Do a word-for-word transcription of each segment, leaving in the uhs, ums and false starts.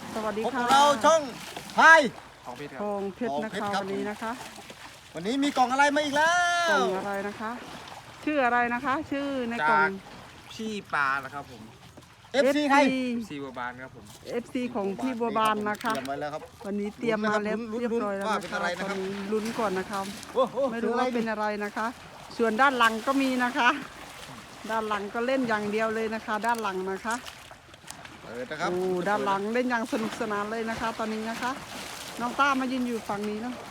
สวัสดีพบค่ะกับเราช่องไทยของเพชรคทรับองเพชรนะทองเพชคะรครับวันนี้นะคะวันนี้มีกล่องอะไรมาอีกแล้กล่วองอะไรนะคะ ชื่ออะไรนะคะ ชื่อในกล่จาองกพี่ปลานะครับผมเอฟ ซี ไทยซีบัวบานครับผมเอฟซีของพี่บัวบานนะคะเตรียมไว้แล้วครับวันนี้เตรียมมาแล้วลุ้นๆเรียบร้อยแล้วว่านะเป็นคะอะไรตนะอครับนนี้ลุ้นก่อนนะคะโอ้โหไม่รู้ว่าเป็นอะไรนะคะ ส่วนด้านหลังก็มีนะคะ ด้านหลังก็เล่นอย่างเดียวเลยนะคะ ด้านหลังนะคะเปิดนะครับโอ้ด้านหลังเล่นอย่างสนุกสนานเลยนะคะ ตอนนี้นะคะ น้องต้ามายืนอยู่ฝั่งนี้เนาะ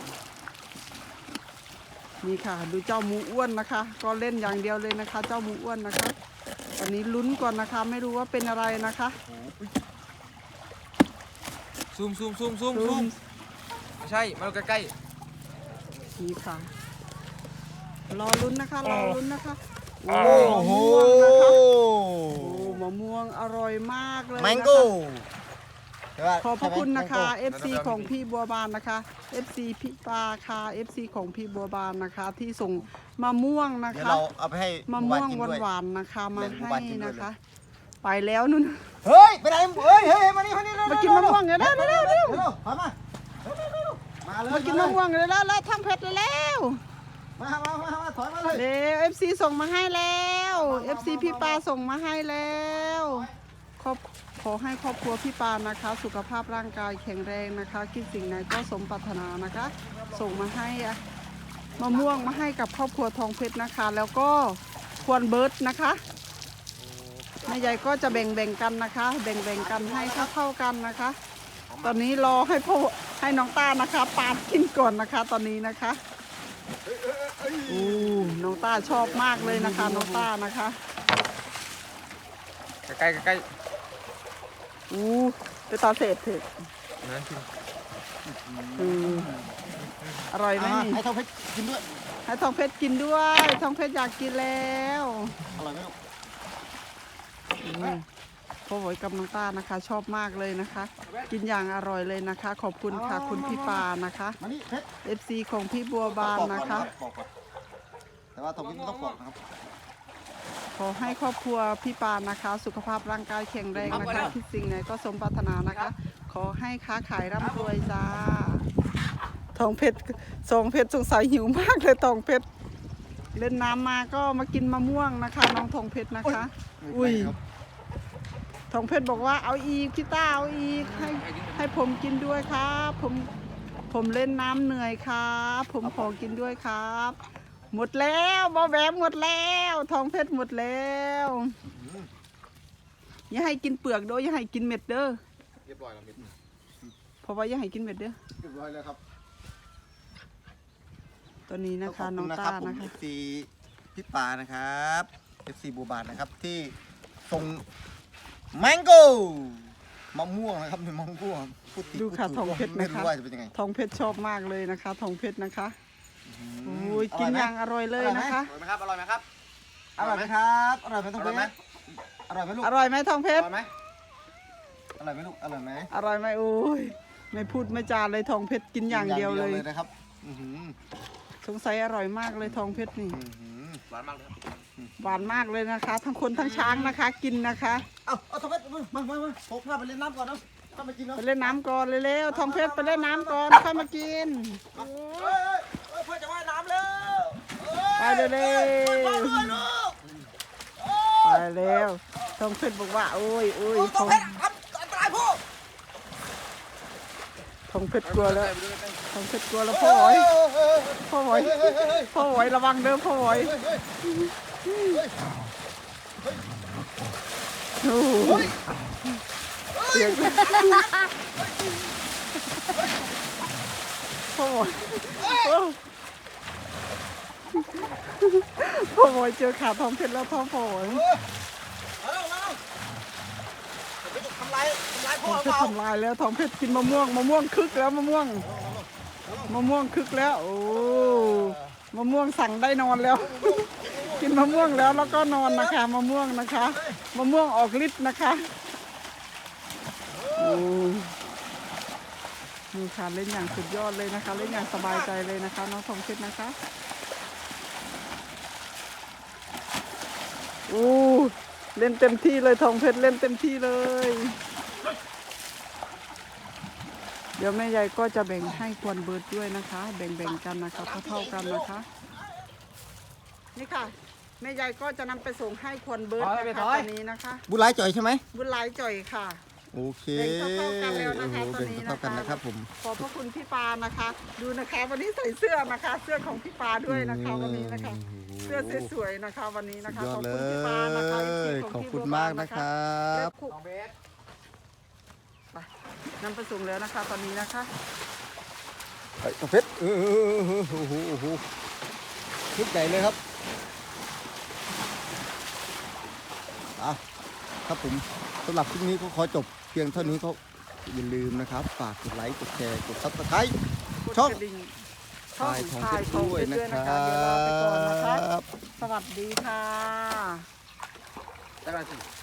นี่ค่ะ ดูเจ้าหมูอ้วนนะคะ ก็เล่นอย่างเดียวเลยนะคะ เจ้าหมูอ้วนนะคะ ตอนนี้ลุ้นก่อนนะคะ ไม่รู้ว่าเป็นอะไรนะคะซูมซูมซูมซูมซูซูมมไม่ใช่มาดูใกล้นี่ค่ะ รอลุ้นนะคะ รอลุ้นนะคะโอ้โหมะม่วงนะคะ โอ้มะม่วงอร่อยมากเลยแมนะคะงโก้ขอบพระคุณนะคะ เอฟ ซี ของพี่บัวบานนะคะ เอฟ ซี พี่ปาค่ะ เอฟ ซี ของพี่บัวบานนะคะ ที่ส่งมะม่วงนะเดี๋ยวคะเราเอาไปให้มะหม่วงกินด้วยหวานๆนะคะมาแบ่งหมู่ให้บ้านกินด้วยนะคะ ไปแล้วนู่นเฮ้ยไปไหนเฮ้ยเฮ้ยมานี่มานี่เร็วมากินมะม่วงเดี๋ยวเร็วเร็วเร็วเร็วถอยมาเร็วเร็วเร็วมาเลยมากินมะม่วงเลยแล้วแล้วทำเผ็ดเลยแล้วมามามามาถอยมาเลยเร็วเอฟซีส่งมาให้แล้วเอฟซีพี่ปาส่งมาให้แล้วขอบขอให้ครอบครัวพี่ปานะคะ สุขภาพร่างกายแข็งแรงนะคะคิดสิ่งไหนก็สมปรารถนานะคะ ส่งมาให้อะมะม่วงมาให้กับครอบครัวทองเพชรนะคะ แล้วก็ควรเบิร์ดนะคะแม่ใหญ่ก็จะแบ่งแบ่งกันนะคะ แบ่งแบ่งกันให้เท่าเท่าๆกันนะคะ ตอนนี้รอให้พ่อให้น้องต้านะคะปาดกินก่อนนะคะ ตอนนี้นะคะอู้น้องต้าชอบมากเลยนะคะ น้องต้านะคะๆใกล้ๆใกล้อู้ไปตาเศษเถอะๆนั่นกินอืมอร่อยไหมอ่านี่ให้ทองเพชรกินด้วยให้ทองเพชรกินด้วยทองเพชรอยากกินแล้วอร่อยไหมลูกอืมพ่อหวยกับน้องต้านะคะ ชอบมากเลยนะคะ กินอย่างอร่อยเลยนะคะ ขอบคุณค่ะคุณพี่ปานะคะมานี่เพชรเอฟซีของพี่บัวบานนะคะปอกก่อนแต่ว่าทองเพชรไม่ต้องปอกนะครับขอให้ครอบครัวพี่ปานนะคะ สุขภาพร่างกายแข็งแรงนะคะคิดสิ่งไหนก็สมปรารถนานะคะ ขอให้ค้าขายร่ำรวยจ้าทองเพชรทองเพชรสงสัยหิวมากเลยทองเพชรเล่นน้ำมาก็มากินมะม่วงนะคะ น้องทองเพชรนะคะ อุ้ยทองเพชรบอกว่าเอาอีกพี่ต้าเอาอีกให้ให้ผมกินด้วยครับผมผมเล่นน้ำเหนื่อยครับผมขอกินด้วยครับ หมดแล้วบอแวมหมดแล้วทองเพชรหมดแล้วอย่าให้กินเปลือกเด้ออย่าให้กินเม็ดเด้อเรียบร้อยแล้วเม็ดเพราะว่าอย่าให้กินเม็ดเด้อเรียบร้อยแล้วครับตัวนี้นะคะขบน้องณต้าผมนะคะเอฟซีพี่ปานะครับเอฟซีบัวบานนะครับที่ส่งแมงโก้มะม่วงนะครับเป็นมะม่วงพูดผิดูค่ะพูทองเพชรไม่นะคะรู้ว่าจะเป็นยังไงทองเพชรชอบมากเลยนะคะทองเพชรนะคะอืมโอ้ยกินอย่างอร่อยเลยนะคะอร่อยไหมครับอร่อยไหมครับอร่อยไหมครับอร่อยไหมทองเพชรอร่อยไหมลูกอร่อยไหมทองเพอชรร่อยไหมอร่อยไหมลูกอร่อยไหมอร่อยไหมโอ้ยไม่พูดไม่จาเลยทองเพชรกินอย่างเดียวเลยนะครับอื้อหือสงสัยอร่อยมากเลยทองเพชรนี่อื้อหือหวานมากเลยครับหวานมากเลยนะคะ ทั้งคนทั้งช้างนะคะ กินนะคะเอาเอาทองเพชรมามามาผมพาไปเล่นน้ำก่อนเนาะเข้ามากินเนาะไปเล่นน้ำก่อนเร็วๆทองเพชรไปเล่นน้ำก่อนค่อยมากินเฮ้ยเฮ้ยเฮ้ยเพื่อนจะว่ายน้ำแล้วไปเร็วมาด้วยลูกๆไปเร็วทองเพชรบอกว่าโอ้ยโอ้ยททออง งเพชรอันอันตรายพ่อทองเพชรกลัวแล้วทองเพชรกลัวแล้วพ่อหอยพ่อหอยพ่อหอยระวังเด้อพ่อหอยโอ้โหเสียงพ่อหอยพ่อหอยเจอขาทองเพชรแล้วท้องพ่อหอยมาแล้วมาแล้วไปทำลายทำลายทพ่อองเพเปชรล่าทำลายแล้วทองเพชรกินมะม่วงมะม่วงคึกแล้วมะม่วงมะม่วงคึกแล้วโอ้มะม่วงสั่งได้นอนแล้ว กินมะม่วงแล้วแล้วก็นอนนะคะมะม่วงนะคะมะม่วงออกฤทธิ์นะคะโอ้นี่ค่ะเล่นอย่างสุดยอดเลยนะคะ เล่นอย่างสบายใจเลยนะคะน้องทองเพชรนะคะโอ้เล่นเต็มที่เลยทองเพชรเล่นเต็มที่เลยเดี๋ยวแม่ยายก็จะแบ่งให้ควรเบิร์ดด้วยนะคะ แบ่งๆกันนะคะเท่าๆกันนะคะ นี่ค่ะแม่ยายก็จะนำไปส่งให้ควรเบิร์ดนะคะตอนนี้นะคะบุญหลายจ่อยใช่ไหมบุญหลายจ่อยค่ะโอเคแบ่งเท่าๆกันแล้วนะคะโอ้โหตอนนี้แบ่งนะคะเท่าๆกันนะครับผมขอบพระคุณพี่ปานะคะ ดูนะคะวันนี้ใส่เสื้อนะคะ เสื้อของพี่ปาด้วยนะคะวันนี้นะคะ เสื้อสวยๆนะคะวันนี้สุนะดคะยอขดอบเลคุณพี่ปานะคะย ขอบคุณมากนะครับไปนำไปส่งแล้วนะคะ ตอนนี้นะคะไปกระเพชรเออโอ้โหโอ้โหชุดใหญ่เลยครับอ่ะครับผมสำหรับคลิปนี้ก็ขอจบเพียงเท่านี้ก็อย่าลืมนะครับฝากกดไลค์กดแชร์กดซับสไครต์กดช่องกระดิ่งช่องถ่ายทองถ่ายเพชรทองด้วยเพชรนะด้วยคนะรัคะเดี๋ยวลาไปก่อนนะคะบสวัสดีค่ะได้ไหม